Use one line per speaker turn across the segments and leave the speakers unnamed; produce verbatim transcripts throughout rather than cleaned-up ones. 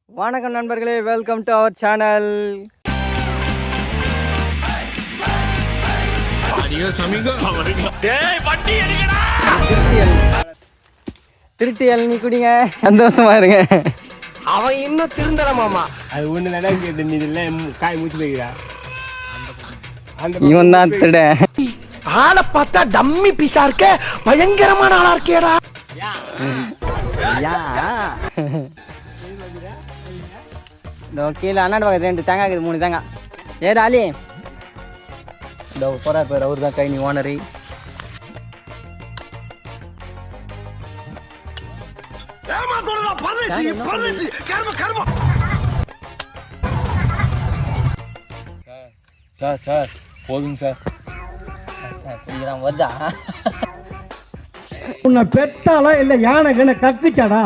வணக்கம் நண்பர்களே, welcome to our channel. திருட்டி இளநீ குடிங்க, சந்தோஷமா இருங்க.
அவன் இன்னும் திருந்தல மாமா.
அது ஒண்ணு நடக்குது, இதெல்லாம் காய் மூச்சு போய்க்கிறா.
இவன் தான் திருட.
ஆளை பார்த்தா டம்மி பீஸா இருக்க, பயங்கரமான ஆளா இருக்கேடா.
கீழே அண்ணாடு பக்கத்து ரெண்டு தேங்காய் இருக்குது, மூணு தேங்காய். ஏ ராலி, இந்த போறார் பேர், அவரு தான் கை நீ ஓனரு.
சார் சார் போதுங்க சார்.
குடிக்கிறான் வருதா?
உன்னை பெத்தாலா இல்ல யானை கண்ண கத்துச்சாடா?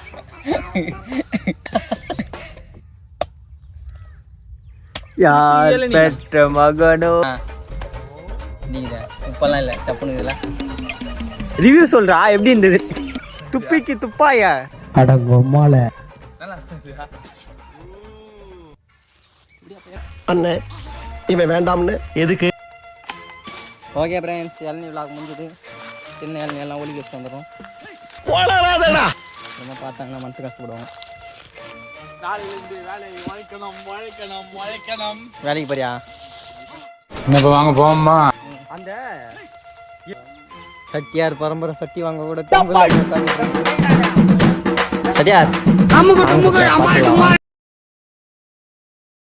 யார் பெற்ற மகனோ? நீங்க உப்பெல்லாம் இல்லை, தப்புனுங்களா? ரிவ்யூ சொல்றா, எப்படி இருந்தது? துப்பிக்கு துப்பாயா?
அடங்கம்மால அண்ணே, இவன் வேண்டாம்னு எதுக்கு?
ஓகே ஃப்ரெண்ட்ஸ், இளநீ விழாக்கு முடிஞ்சது. சின்ன இளநீ எல்லாம் ஒலிக்க வச்சு வந்துடும். நம்ம பார்த்தாங்கன்னா மனசு கஷ்டப்படுவோம். வேலைக்கு போறியா?
வாங்க போமா.
அந்த சட்டியார் பரம்பரை சட்டி வாங்க கூட சட்டியார்